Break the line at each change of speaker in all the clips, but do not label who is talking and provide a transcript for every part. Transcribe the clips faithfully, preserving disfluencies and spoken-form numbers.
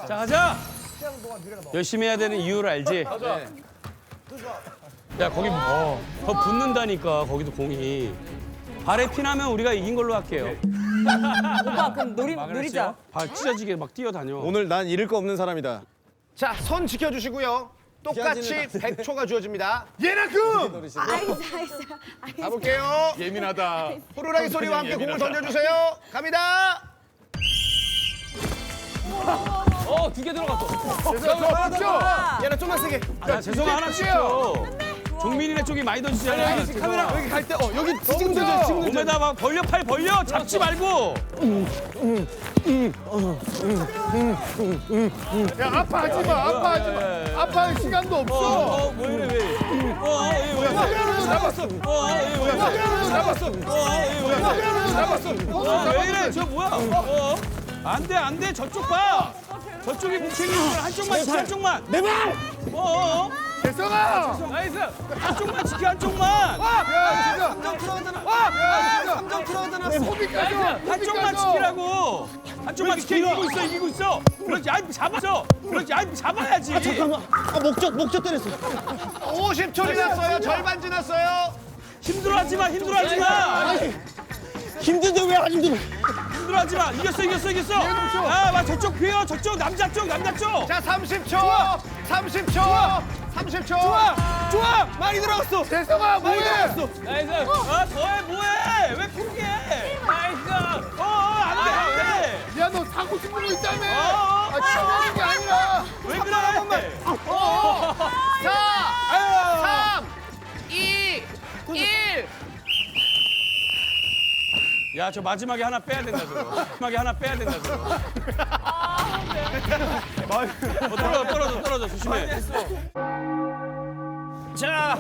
자, 가자. 열심히 해야 되는 이유를 알지? 야, 거기 어, 더 붙는다니까, 거기도 공이. 발에 피나면 우리가 이긴 걸로 할게요.
오빠 그럼 노리, 노리자.
발 찢어지게 막 뛰어다녀.
오늘 난 잃을 거 없는 사람이다.
자, 손 지켜주시고요. 똑같이 백 초가 주어집니다.
예나금!
아이스 아이스 아이스.
가볼게요.
예민하다.
호루라기 소리와 함께 공을 던져주세요. 갑니다.
어, 두 개 들어갔어.
얘는 좀만 세게.
야, 죄송아, 하나 시켜. 종민이네 쪽이 많이 던지잖아.
여기 카메라 여기 갈 때 어 여기 지금 던져 지금 던져.
몸에다 막 벌려, 팔 벌려. 잡지 말고.
야 아파하지 마 아파하지 마. 아파할 시간도
어,
없어.
어, 뭐 이래, 왜. 어, 어, 예, 왜.
잡았어.
어, 어, 예, 왜.
잡았어.
어, 예, 왜.
잡았어.
어, 왜 이래? 저 뭐야? 어, 안 돼, 안 돼. 저쪽 봐. 저쪽이 뭉치는 거 한쪽만 지켜, 한쪽만. 내 발! 어, 어, 어.
대성아.
나이스. 한쪽만 지켜, 한쪽만.
야 진짜. 삼점 들어가잖아. 와. 삼점 들어가잖아. 소비까지.
한쪽만 지키라고. 한쪽만 지켜. 이기고 있어, 이기고 있어. 그렇지, 아이 잡았어. 그렇지, 아이 잡아야지.
아 목적 목적 때렸어.
오십 초 지났어요. 절반 지났어요.
힘들어하지 마, 힘들어하지 마.
힘든데 왜 안 힘들어?
힘들어하지 마. 이겼어, 이겼어, 이겼어. 아, 막 저쪽 피어, 저쪽 남자 쪽, 남자 쪽.
자, 삼십 초. 삼십 초. 삼십 초.
좋아, 많이 들어갔어.
대성아 뭐해?
나이스. 아, 더해, 뭐해? 왜 포기해? 나이스. 어, 어, 안 돼, 안 돼.
야 너 사고 싶은 거 있다며.
어, 어.
아 치우는 게 아니라.
왜 그래? 어,
사, 삼, 이, 일.
야, 저 마지막에 하나 빼야 된다, 저거. 마지막에 하나 빼야 된다, 저거. 어, 떨어져, 떨어져, 떨어져. 조심해. 자.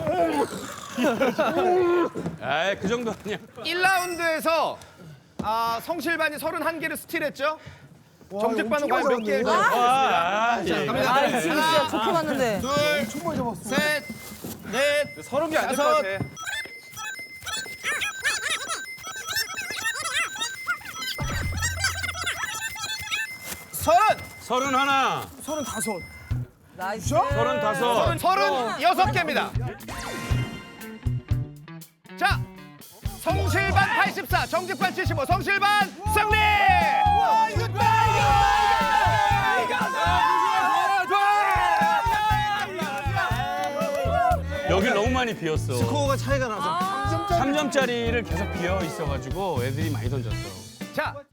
에이, 그 정도 아니야.
일 라운드에서 아, 성실반이 서른한 개를 스틸했죠? 정직반은 과연 몇 개?
아, 아, 예.
갑니다.
아 지금 진짜 좋게 봤는데.
둘, 셋, 넷,
서른 개 안 될 것
다섯.
같아.
서른,
서른 하나,
나이스.
서른 다섯.
서른 여섯 개입니다. 자, 성실반 팔십사, 정직반 칠십오, 성실반 승리! 와, 이겼다!
여길 너무 많이 비었어.
스코어가 차이가 나서.
삼 점짜리를 계속 비어 있어가지고 애들이 많이 던졌어.
자,